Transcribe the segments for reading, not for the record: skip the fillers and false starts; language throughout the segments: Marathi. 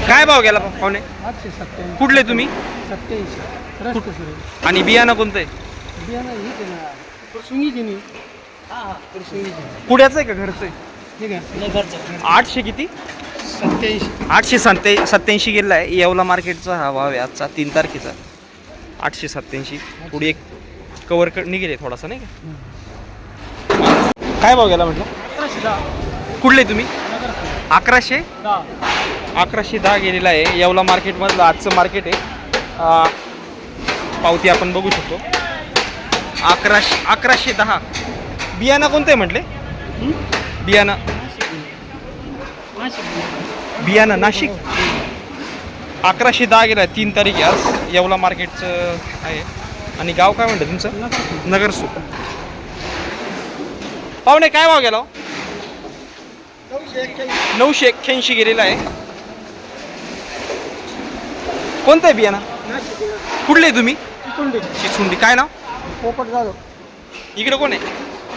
काय भाव गेला पाहुणे? 887 कुठले तुम्ही? 87 रस्ते सुरू आणि बियाणं कोणतं आहे? बियाणं ही ते ना पुरसुंगीची नाही. हां पुरसुंगीची पुण्याचं आहे का घरचं आहे? ठीक आहे घरचं 800 किती? 87 887 गेलेला आहे. येवला मार्केटचा हा भाव आहे आजचा 3 तारखेचा. 887. थोडी एक कवर निघेल थोडासा नाही का? काय भाव गेला म्हटलं? 1110 कुठले तुम्ही? 1100 10 1110 गेलेला आहे. येवला मार्केटमधलं आजचं मार्केट आहे. पावती आपण बघू शकतो. 1110. बियाणं कोणतं आहे म्हटले? बियाणं बियाणं नाशिक. 1110 गेला आहे. 3 तारीख आहे आज. येवला मार्केटचं आहे. आणि गाव काय म्हणतं तुमचं? नगरसूर. पाहुणे काय भाव गेला? 981 गेलेला आहे. कोणतं आहे बियाणं? कुठले आहे तुम्ही? चिचुंडी. काय नाव? पोपट जाधव. इकडे कोण आहे?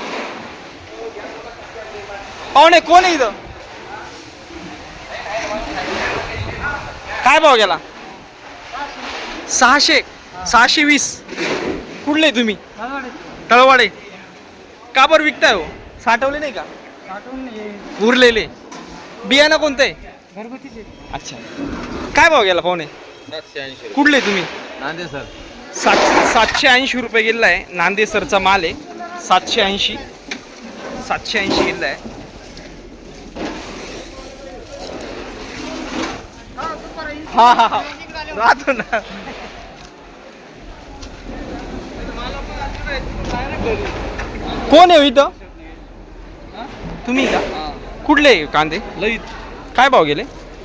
पाहुणे कोण आहे इथं? काय भाव गेला? 620. कुठले आहे तुम्ही? तळवाडे. का बरं विकताय हो? साठवले नाही का? उरलेले. बियाणं कोणतं आहे? घरगुतीचे. अच्छा. काय भाव गेला पाहुणे? 780. कुठले तुम्ही? नांदे सर. 780 रुपये गेलेला आहे. नांदेसरचा माल आहे. 780 गेलेला आहे. हा हा हा राहतो ना. कोण आहे इथं? तुम्ही का? कुठले कांदे? लईत. काय भाव गेले?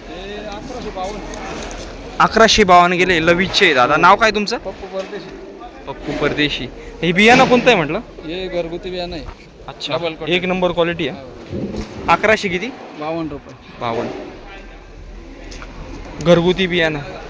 1152 गेले. लवीचे दादा. नाव काय तुमचं? पप्पू परदेशी. पप्पू परदेशी. हे बियाणं कोणतं आहे म्हटलं? हे घरगुती बियाणं आहे. अच्छा. Double coated. एक नंबर क्वालिटी आहे. 1100 किती? 52 रुपये. 52. घरगुती बियाणं.